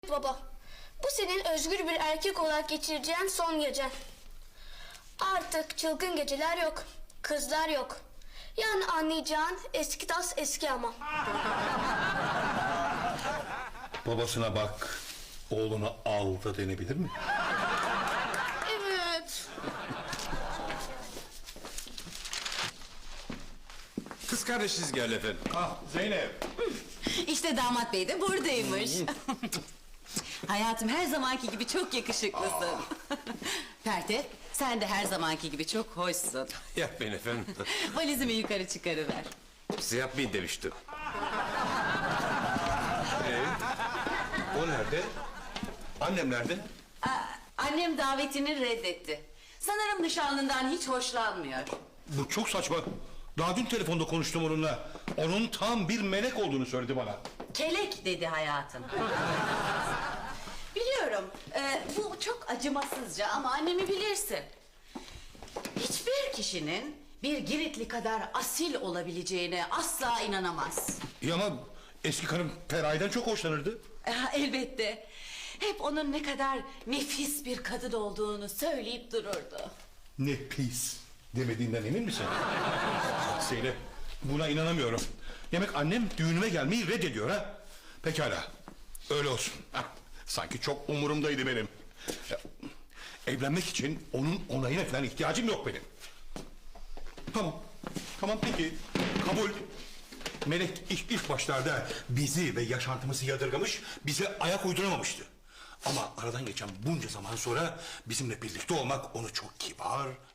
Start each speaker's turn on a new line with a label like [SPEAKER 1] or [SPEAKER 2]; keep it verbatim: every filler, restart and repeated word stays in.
[SPEAKER 1] Baba, bu senin özgür bir erkek olarak geçireceğin son gecen. Artık çılgın geceler yok, kızlar yok. Yani anlayacağın eski tas eski ama.
[SPEAKER 2] Babasına bak, oğlunu al da denebilir mi?
[SPEAKER 1] Evet.
[SPEAKER 3] Kız kardeşiniz geldi efendim.
[SPEAKER 2] Ah Zeynep.
[SPEAKER 4] İşte damat bey de buradaymış. Hayatım her zamanki gibi çok yakışıklısın. Pertev, sen de her zamanki gibi çok hoşsun.
[SPEAKER 3] Yapmayın efendim.
[SPEAKER 4] Valizimi yukarı çıkarıver.
[SPEAKER 3] Size yapmayın demiştim. Ee, o nerede? Annem nerede?
[SPEAKER 4] Aa, annem davetini reddetti. Sanırım nişanlından hiç hoşlanmıyor.
[SPEAKER 2] Bu çok saçma. Daha dün telefonda konuştum onunla. Onun tam bir melek olduğunu söyledi bana.
[SPEAKER 4] Kelek dedi hayatım. Biliyorum, e, bu çok acımasızca ama annemi bilirsin. Hiçbir kişinin bir Giritli kadar asil olabileceğine asla inanamaz.
[SPEAKER 2] İyi ama eski karım Feraye'den çok hoşlanırdı.
[SPEAKER 4] Ah, elbette. Hep onun ne kadar nefis bir kadın olduğunu söyleyip dururdu.
[SPEAKER 2] Ne pis demediğinden emin misin? Zeynep, buna inanamıyorum. Demek annem düğünüme gelmeyi reddediyor ha? Pekala, öyle olsun. Hah, sanki çok umurumdaydı benim. Ya, evlenmek için onun onayına falan ihtiyacım yok benim. Tamam, tamam peki, kabul. Melek ilk, ilk başlarda bizi ve yaşantımızı yadırgamış, bize ayak uyduramamıştı. Ama aradan geçen bunca zaman sonra bizimle birlikte olmak onu çok kibar,